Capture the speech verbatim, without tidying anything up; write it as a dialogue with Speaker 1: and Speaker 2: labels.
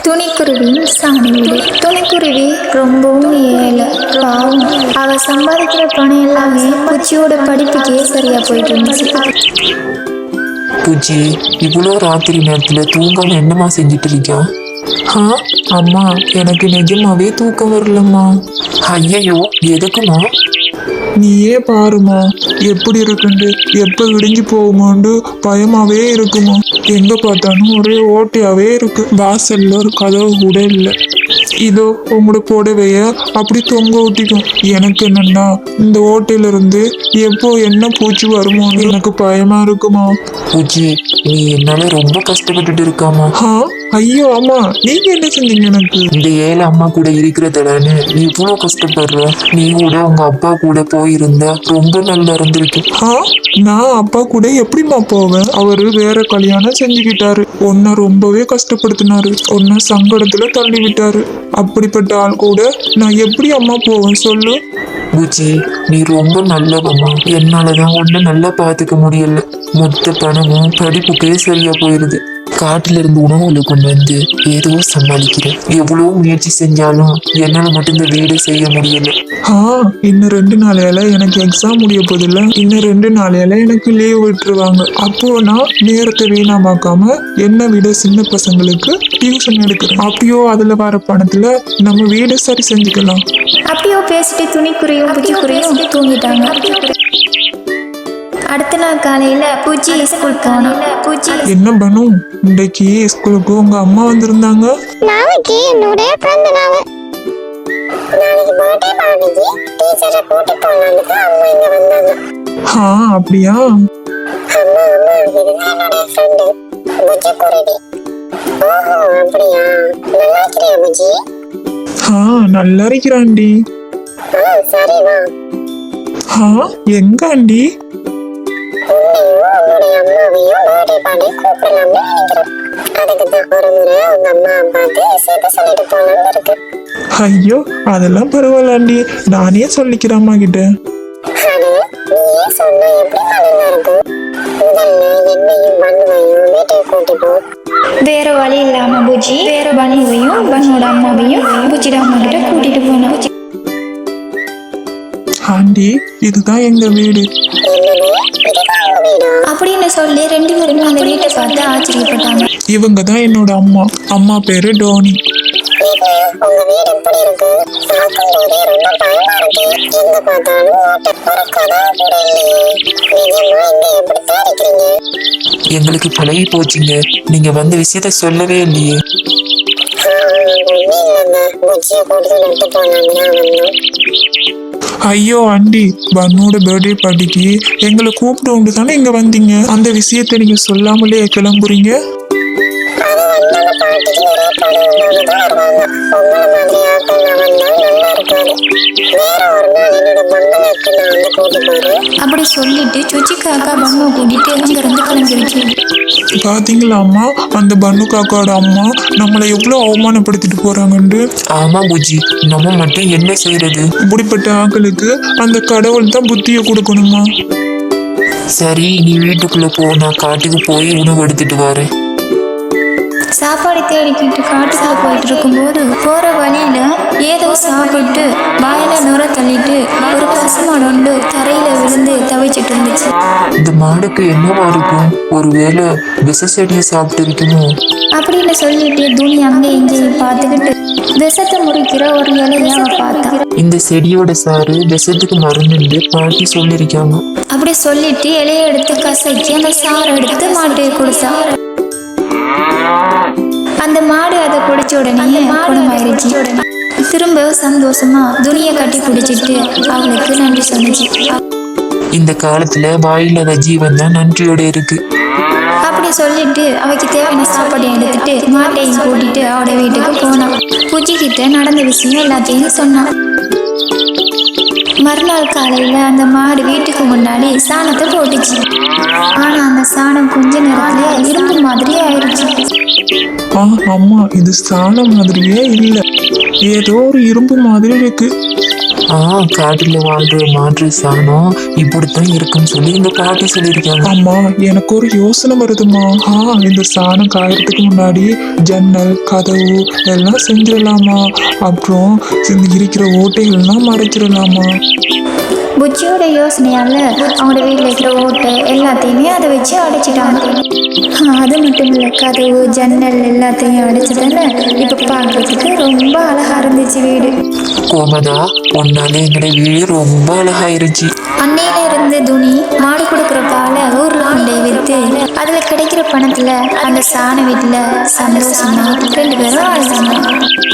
Speaker 1: துணிக்குருவியின் சாணி வீடு. துணிக்குருவி ரொம்பவும் ஏழை, பாவம். அவ சம்பாதிக்கிற பணம் எல்லாமே பூச்சியோட படிப்புக்கே சரியா போயிட்டு இருந்துச்சு.
Speaker 2: பூச்சி, இவ்வளோ ராத்திரி நேரத்துல தூங்காம என்னம்மா செஞ்சுட்டு இருக்கியா? ஆ அம்மா, எனக்கு நிஜமாவே தூக்கம் வரலம்மா. ஐயையோ, எதுக்குமா?
Speaker 3: நீயே பாருமா எப்படி இருக்குண்டு, எப்ப விடிஞ்சு போகுமாண்டு பயமாவே இருக்குமா. எங்க பார்த்தாலும் ஒரே ஓட்டையாவே இருக்கு. வாசல்ல ஒரு கதவு கூட இல்லை. இதோ உங்களோட புடவைய அப்படி தொங்க விட்டிக்கும். எனக்கு என்னன்னா இந்த ஓட்டையில இருந்து எப்போ என்ன பூச்சி வருமோன்னு எனக்கு பயமா இருக்குமா.
Speaker 2: பூச்சி, நீ என்னால ரொம்ப கஷ்டப்பட்டுட்டு இருக்காமா.
Speaker 3: ஆ ஐயோ அம்மா, நீங்க என்ன செஞ்சீங்க எனக்கு?
Speaker 2: இந்த ஏழை அம்மா கூட இருக்கிறதுலன்னு நீ இவ்வளோ கஷ்டப்படுற. நீ கூட உங்க அப்பா கூட போயிருந்தா ரொம்ப நல்லா இருந்திருக்கு.
Speaker 3: ஆ நான் அப்பா கூட எப்படிம்மா போவேன்? அவரு வேற கல்யாணம் செஞ்சுக்கிட்டாரு. உன்னை ரொம்பவே கஷ்டப்படுத்தினாரு. உன்னை சங்கடத்துல தள்ளி விட்டாரு. அப்படிப்பட்ட ஆள் கூட நான் எப்படி அம்மா போவேன் சொல்லு?
Speaker 2: பூச்சி, நீ ரொம்ப நல்லவம்மா. என்னாலதான் ஒன்னும் நல்லா பாத்துக்க முடியல. மொத்த பணமும் படிப்புக்கே சரியா போயிருது. காட்டுல இருந்து உணவுகளை கொண்டு வந்து ஏதோ சமாளிக்கிறேன். எவ்வளவு முயற்சி செஞ்சாலும் என்னால மட்டும் இந்த வீடு செய்ய முடியல.
Speaker 3: ஆ இன்னும் ரெண்டு நாளையால எனக்கு எக்ஸாம் முடிய போதில்ல. இன்னும் ரெண்டு நாளையால எனக்கு லீவ் விட்டுருவாங்க. அப்போ நான் நேரத்தை வீணாமாக்காம என்னை விட சின்ன பசங்களுக்கு டியூஷன் எடுக்கிறேன். அப்பயோ அதுல வர பணத்துல நம்ம வீடு சரி செஞ்சுக்கலாம்.
Speaker 1: அப்படியோ பேசிட்டு துணிக்குருவியும் பூச்சிக்குருவியும் தூங்கிட்டாங்க. அடுத்த நாள் காலையில பூச்சி ஸ்கூல் போனா. பூச்சி,
Speaker 3: என்ன பண்ணு, இன்றைக்கு ஸ்கூலுக்கு உங்க அம்மா வந்திருந்தாங்க.
Speaker 4: நாளைக்கு என்னோட பிறந்த நாள். நாளைக்கு பர்த்டே பார்ட்டிக்கு டீச்சரை கூட்டி போனாலுக்கு அம்மா இங்க வந்தாங்க.
Speaker 3: ஆ அப்படியா?
Speaker 4: அம்மா அம்மா இதுதான் என்னோட ஃப்ரெண்டு புஜி குருவி. ஓஹோ அப்படியா, நல்லா இருக்கிறியா புஜி?
Speaker 3: ஆ நல்லா இருக்கிறாண்டி.
Speaker 4: ஆ சரி வா.
Speaker 3: ஆ எங்க ஆண்டி?
Speaker 4: உன்னையும் உன்னுடைய அம்மாவையும் பர்த்டே பார்ட்டி கூப்பிடலாம்னு நினைக்கிறோம். அதுக்கு தான் ஒரு முறை உங்க அம்மா அப்பாவுக்கு சேர்த்து சொல்லிட்டு போலான்னு இருக்கு.
Speaker 3: ஐயோ அதெல்லாம் பரவாயில்லாண்டி, நானே சொல்லிக்கிறேன் அம்மா கிட்ட.
Speaker 4: அது நீயே சொன்னா எப்படி நல்லா இருக்கும். முதல்ல என்னையும் பண்ணுவையும் வீட்டுக்கு கூட்டி போ.
Speaker 1: வேற வழி இல்லாம பூச்சி வேற பனுவையும் பனோட அம்மாவையும் பூச்சியோட அம்மா கிட்ட கூட்டிட்டு போனா.
Speaker 3: ஆண்டி இதுதான் எங்க வீடு.
Speaker 1: அப்படின்னு சொல்லி ரெண்டு பேருமே அந்த வீட்டை பார்த்து ஆச்சரியப்பட்டாங்க.
Speaker 3: இவங்க தான் என்னோட அம்மா. அம்மா பேரு டோனி.
Speaker 4: உங்க வீடு எப்படி இருக்கு? பார்க்கும்போதே ரொம்ப பயமா இருக்கு. எங்க பார்த்தாலும் ஓட்ட ஒரு கதவு கூட இல்லையே. நிஜமா இங்க எப்படித்தான் இருக்கிறீங்க?
Speaker 2: எங்களுக்கு பழகி போச்சுங்க. நீங்க வந்த விஷயத்த சொல்லவே இல்லையே.
Speaker 4: இல்லைங்க, பூச்சியை போட்டு நட்டு போனாங்கன்னா வந்தோம்.
Speaker 3: ஐயோ ஆண்டி, பன்னோட பர்த்டே பார்ட்டிக்கு எங்களை கூப்பிட்டு உண்டு தானே இங்க வந்தீங்க. அந்த விஷயத்த நீங்க சொல்லாமலே கிளம்புறீங்க.
Speaker 4: அது வந்தாங்க பாட்டிக்கு நிறைய படம் தான் வருவாங்க. உங்களை மாதிரி ஆட்கள் நான் வந்தா நல்லா இருக்காது. வேற ஒரு நாள் என்னோட பங்களாக்கு நான் வந்து கூட்டி போறேன்.
Speaker 1: அப்படி சொல்லிட்டு சுச்சி காக்கா பன்னு கூட்டிட்டு அங்க இருந்து கிளம்பிடுச்சு.
Speaker 3: பாத்தீங்களா அம்மா, அந்த பன்னு காக்காவோட அம்மா நம்மளை எவ்வளவு அவமானப்படுத்திட்டு போறாங்கன்னு.
Speaker 2: ஆமா பூச்சி, நம்ம மட்டும் என்ன செய்யறது?
Speaker 3: இப்படிப்பட்ட ஆட்களுக்கு அந்த கடவுள் தான் புத்தியை கொடுக்கணுமா.
Speaker 2: சரி, நீ வீட்டுக்குள்ள போ, நான் காட்டுக்கு போய் உணவு எடுத்துட்டு வரேன்.
Speaker 1: சாப்பாடு தேடிக்கிட்டு காட்டுக்குள்ள போயிட்டு இருக்கும்போது போற வழியில ஏதோ சாப்பிட்டு வாயில நுர தள்ளிட்டு ஒரு பசுமாடு ஒன்று தரையில விழுந்து தவிச்சிட்டு இருந்துச்சு.
Speaker 2: இந்த மாடுக்கு என்னவா இருக்கும்? ஒருவேளை விஷ செடியை சாப்பிட்டு இருக்குமோ?
Speaker 1: அப்படின்னு சொல்லிட்டு துணி அங்கே இங்கேயும் பார்த்துக்கிட்டு விஷத்தை முறிக்கிற ஒரு இலையை அவ பார்த்தா.
Speaker 2: இந்த செடியோட சாறு விஷத்துக்கு மருந்துன்னு பாட்டி சொல்லியிருக்காங்க.
Speaker 1: அப்படி சொல்லிட்டு இலையை எடுத்து கசக்கி அந்த சாறை எடுத்து மாட்டுக்கு கொடுத்தா. அந்த மாடு அதை குடிச்ச உடனே குணமாயிருச்சு. திரும்ப சந்தோஷமா துணியை கட்டி பிடிச்சிட்டு அவளுக்கு நன்றி சொன்னிச்சு.
Speaker 2: இந்த காலத்துல வாயில்லாத ஜீவன் தான் நன்றியோட இருக்கு.
Speaker 1: அப்படி சொல்லிட்டு அவைக்கு தேவையான சாப்பாடு எடுத்துட்டு மாட்டையும் கூட்டிட்டு அவட வீட்டுக்கு போனான். பூச்சி கிட்ட நடந்த விஷயம் எல்லாத்தையும் சொன்னான். மறுநாள் காலையில அந்த மாடு வீட்டுக்கு முன்னாடி சாணத்தை போட்டுச்சு. ஆனா அந்த சாணம் கொஞ்ச நேரத்துல இரும்பு மாதிரி ஆயிடுச்சு.
Speaker 3: ஆ அம்மா, இது சாணம் மாதிரியே இல்ல, ஏதோ ஒரு இரும்பு மாதிரி இருக்கு.
Speaker 2: ஆ காட்டுல வாழ்ற மாற்று சாணம் இப்படித்தான் இருக்குன்னு சொல்லி இந்த பாட்டி சொல்லியிருக்காங்க.
Speaker 3: அம்மா எனக்கு ஒரு யோசனை வருதுமா. ஆ இந்த சாணம் காயறதுக்கு முன்னாடி ஜன்னல் கதவு எல்லாம் செஞ்சிடலாமா? அப்புறம் இந்த இருக்கிற ஓட்டைகள்லாம் மறைச்சிடலாமா?
Speaker 1: புச்சியோட யோசனையால அவங்களோட வீட்டில் இருக்கிற ஓட்டை எல்லாத்தையுமே அதை வச்சு அடைச்சிட்டாங்க. ஆ, அது மட்டும் இல்லை, கதவு ஜன்னல் எல்லாத்தையும் அடைச்சதால இப்போ பார்க்கறதுக்கு ரொம்ப அழகா இருந்துச்சு வீடு.
Speaker 2: கோமதா உன்னால எங்கட வீடு ரொம்ப அழகாயிருச்சு.
Speaker 1: அன்னையில இருந்து துணி மாடு கொடுக்குற பாலை ஊர்ல கொண்டே விற்று அதுல கிடைக்கிற பணத்துல அந்த சாண வீட்டுல சந்தோஷமா ரெண்டு பேரும் வாழ்ந்தாங்க.